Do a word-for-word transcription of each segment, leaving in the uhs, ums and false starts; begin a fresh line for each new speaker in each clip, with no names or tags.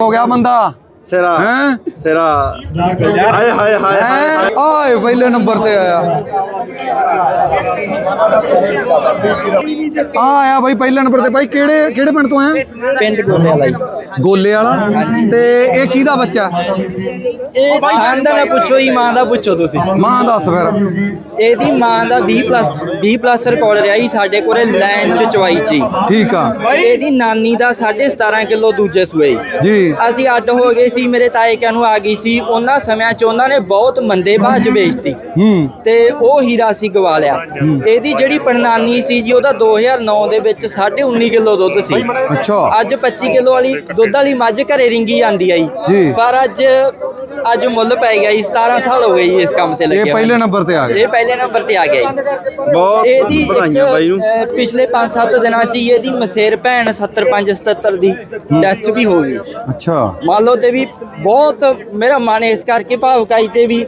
हो गया बंदा
सिरा
हैं
सिरा हाय हाय हाय
हैं आए पहले नंबर ते आया आ आया भाई पहले नंबर ते भाई केड़े केड़े पिंड तो आया
पिंड गोले वाला जी
गोले वाला ते ये किहदा बच्चा
ਇਹ ਸਾਨ ਦਾ ਨਾ ਪੁੱਛੋ ਹੀ ਮਾਂ ਦਾ ਪੁੱਛੋ ਤੁਸੀਂ
मां दस फिर
ਇਹਦੀ ਮਾਂ ਦਾ ਵੀਹ ਪਲੱਸ ਵੀਹ ਪਲੱਸ ਰਿਕਾਰਡ ਰਿਹਾ ਜੀ ਸਾਡੇ ਕੋਲੇ ਲਾਈਨ ਚ ਚਵਾਈ ਚ ਹੀ।
ठीक आ
ਇਹਦੀ ਨਾਨੀ ਦਾ ਸਾਢੇ ਸਤਾਰਾਂ ਕਿਲੋ ਦੂਜੇ ਸੂਏ
जी
ਅਸੀਂ ਅੱਡ ਹੋ ਗਏ ਸੀ ਮੇਰੇ ਤਾਏ ਕਿਆਂ ਨੂੰ ਆ ਗਈ ਸੀ ਉਹਨਾਂ ਸਮਿਆਂ ਚ ਉਹਨਾਂ ਨੇ ਬਹੁਤ ਮੰਦੇ ਭਾਅ ਚ ਵੇਚਤੀ
हम्म
ਤੇ ਉਹ ਹੀਰਾ ਸੀ ਗਵਾ ਲਿਆ। ਇਹਦੀ ਜਿਹੜੀ ਪੜਨਾਨੀ ਸੀ ਜੀ ਉਹਦਾ ਦੋ ਹਜ਼ਾਰ ਨੌ ਦੇ ਵਿੱਚ ਸਾਢੇ ਉੱਨੀ ਕਿਲੋ ਦੁੱਧ ਸੀ।
अच्छा
ਅੱਜ ਪੱਚੀ ਕਿਲੋ ਵਾਲੀ ਦੁੱਧ ਵਾਲੀ ਮੱਝ ਘਰੇ ਰਿੰਗੀ ਆਂਦੀ ਆਈ
ਜੀ।
ਪਰ ਅੱਜ ਅੱਜ ਮੁੱਲ ਪੈ ਗਿਆ ਜੀ ਸਤਾਰਾਂ ਸਾਲ ਹੋ ਗਏ ਜੀ ਇਸ ਕੰਮ ਤੇ
ये
ਲੱਗੇ
पहले नंबर ते आ गए
ਇਹ ਪਹਿਲੇ ਨੰਬਰ ਤੇ ਆ ਗਿਆ ਜੀ।
बहुत
ਇਹਦੀ
ਵਧਾਈਆਂ ਬਾਈ ਨੂੰ
ਅਹ, ਪਿਛਲੇ ਪੰਜ ਸੱਤ ਦਿਨਾਂ ਚ ਹੀ ਇਹਦੀ ਮਸੇਰ ਭੈਣ ਸੱਤਰ ਪੰਜ ਸਤੱਤਰ ਦੀ ਡੈਥ ਵੀ ਹੋ ਗਈ।
अच्छा
ਮੰਨ ਲਓ ਤੇ ਵੀ ਬਹੁਤ ਮੇਰਾ ਮਨ ਇਸ ਕਰਕੇ ਭਾਵੁਕਾਈ ਤੇ ਵੀ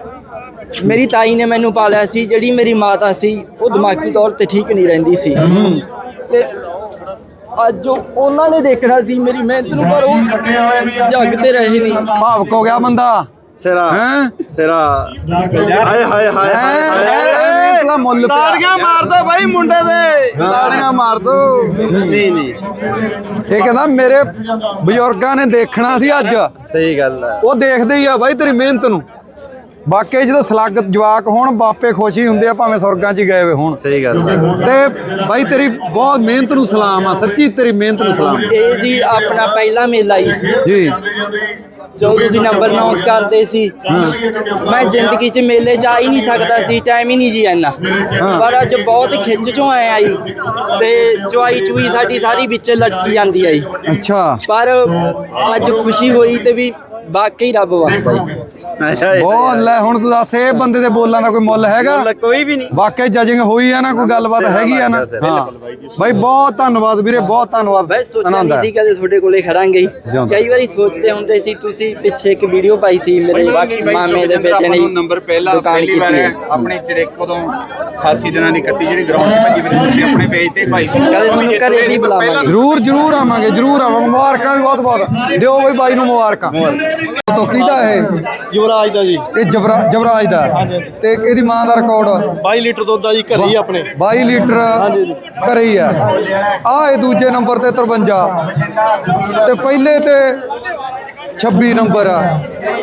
ਮੇਰੀ ਤਾਈ ਨੇ ਮੈਨੂੰ ਪਾਲਿਆ ਸੀ ਜਿਹੜੀ ਮੇਰੀ ਮਾਤਾ ਸੀ ਉਹ ਦਿਮਾਗੀ ਤੌਰ ਤੇ ਠੀਕ ਨਹੀਂ ਰਹਿੰਦੀ ਸੀ ਤੇ ਅੱਜ ਉਹ- ਉਹਨਾਂ ਨੇ ਦੇਖਣਾ ਸੀ ਮੇਰੀ ਮਿਹਨਤ ਨੂੰ ਪਰ ਉਹ ਜੱਗ ਤੇ ਰਹੇ ਨਹੀਂ।
भावुक हो गया बंदा
सिरा
हैं
सिरा हाय हाय हाय हाय
इतना मुੱਲ ਪਿਆ
ਤਾੜੀਆਂ ਮਾਰ ਦੋ ਬਾਈ ਮੁੰਡੇ ਦੇ ਤਾੜੀਆਂ ਮਾਰ ਦੋ ਨਹੀਂ ਨਹੀਂ
ਇਹ ਕਹਿੰਦਾ ਮੇਰੇ ਬਜ਼ੁਰਗਾਂ ਨੇ ਦੇਖਣਾ ਸੀ ਅੱਜ
ਸਹੀ ਗੱਲ ਹੈ
ਉਹ ਦੇਖਦੇ ਹੀ ਆ ਬਾਈ ਤੇਰੀ ਮਿਹਨਤ ਨੂੰ। ਬਾਕੀ ਜਦੋਂ ਸਲੱਗ ਜਵਾਕ ਹੋਣ ਬਾਪੇ ਖੁਸ਼ ਹੀ ਹੁੰਦੇ ਆ ਭਾਵੇਂ ਸੁਰਗਾਂ 'ਚ ਹੀ ਗਏ ਹੋਏ ਹੋਣ।
ਸਹੀ ਗੱਲ ਹੈ
ਤੇ ਬਾਈ ਤੇਰੀ ਬਹੁਤ ਮਿਹਨਤ ਨੂੰ ਸਲਾਮ ਆ ਸੱਚੀ ਤੇਰੀ ਮਿਹਨਤ ਨੂੰ ਸਲਾਮ
ਇਹ ਜੀ ਆਪਣਾ ਪਹਿਲਾ ਮੇਲਾ ਜੀ
ਜੀ
ਜਦੋਂ ਤੁਸੀਂ ਨੰਬਰ ਅਨਾਉਂਸ ਕਰਦੇ ਸੀ ਮੈਂ ਜ਼ਿੰਦਗੀ 'ਚ ਮੇਲੇ 'ਚ ਆ ਹੀ ਨਹੀਂ ਸਕਦਾ ਸੀ ਟਾਈਮ ਹੀ ਨਹੀਂ ਜੀ ਇੰਨਾ ਪਰ ਅੱਜ ਬਹੁਤ ਖਿੱਚ ਚੋਂ ਆਏ ਆਈ ਤੇ ਚੁਆਈ ਚੂਈ ਸਾਡੀ ਸਾਰੀ ਵਿੱਚ ਲਟਕੀ ਜਾਂਦੀ ਆਈ
ਅੱਛਾ
ਪਰ ਅੱਜ ਖੁਸ਼ੀ ਹੋਈ ਤੇ ਵੀ ਵਾਕਈ ਰੱਬ ਵਾਸਤਾ ਜੀ।
ਬਹੁਤ ਲੈ ਹੁਣ ਤੂੰ ਦੱਸ ਇਹ ਬੰਦੇ ਦੇ ਬੋਲਾਂ ਦਾ ਕੋਈ ਮੁੱਲ ਹੈਗਾ
ਕੋਈ ਵੀ ਨਹੀਂ
ਵਾਕਈ ਜਜਿੰਗ ਹੋਈ ਆ ਨਾ ਕੋਈ ਗੱਲਬਾਤ ਹੈਗੀ ਆ ਨਾ ਹਾਂ ਬਾਈ ਬਹੁਤ ਧੰਨਵਾਦ ਵੀਰੇ ਬਹੁਤ ਧੰਨਵਾਦ
ਮੈਂ ਸੋਚਿਆ
ਆਨੰਦ
ਨਹੀਂ
ਆ
ਸੀ ਕਦੇ ਤੁਹਾਡੇ ਕੋਲੇ ਖੜਾਂਗੇ ਜੀ।
ਜਿਉਂਦਾ।
ਕਈ ਵਾਰੀ ਸੋਚਦੇ ਹੁੰਦੇ ਸੀ ਤੁਸੀਂ ਪਿੱਛੇ ਇੱਕ ਵੀਡੀਓ ਪਾਈ ਸੀ ਮੇਰੇ ਮਾਮੇ ਦੇ ਬੇਟੇ ਨੇ
ਨੰਬਰ ਪਹਿਲਾ
ਦੁਕਾਨ
ਪਹਿਲੀ ਵਾਰ
ਕੀਤੀ ਹੈ।
ਆਪਣੀ ਚੜੇਕ ਉਦੋਂ ਅਠਾਸੀ ਦਿਨਾਂ ਦੀ ਕੱਟੀ ਜਿਹੜੀ ਗਰਾਊਂਡ 'ਚ ਭੱਜੀ ਫਿਰਦੀ ਸੀ ਆਪਣੇ ਪੇਜ ਤੇ ਭਾਈ ਸੀ
ਕਦੇ ਤੁਹਾਨੂੰ ਘਰੇ ਨਹੀਂ ਬੁਲਾਵਾਂਗੇ।
ਜਰੂਰ ਜਰੂਰ ਆਵਾਂਗੇ ਜਰੂਰ ਆਵਾਂਗੇ ਮੁਬਾਰਕਾਂ ਵੀ ਬਹੁਤ ਬਹੁਤ ਦਿਓ ਬਈ ਬਾਈ ਨੂੰ ਮੁਬਾਰਕਾਂ ਤੋਂ ਕਿਹਦਾ ਇਹ
ਯੁਵਰਾਜ ਦਾ ਜੀ
ਇਹ ਜਵਰਾ ਜਵਰਾਜ ਦਾ ਤੇ ਇਹਦੀ ਮਾਂ ਦਾ ਰਿਕਾਰਡ
ਬਾਈ ਲੀਟਰ ਦੁੱਧ ਆ ਜੀ ਘਰੇ ਹੀ ਆਪਣੇ
ਬਾਈ ਲੀਟਰ ਘਰੇ ਹੀ ਆ ਆ ਇਹ ਦੂਜੇ ਨੰਬਰ ਤੇ ਤਰਵੰਜਾ ਤੇ ਪਹਿਲੇ ਤੇ ਛੱਬੀ ਨੰਬਰ ਆ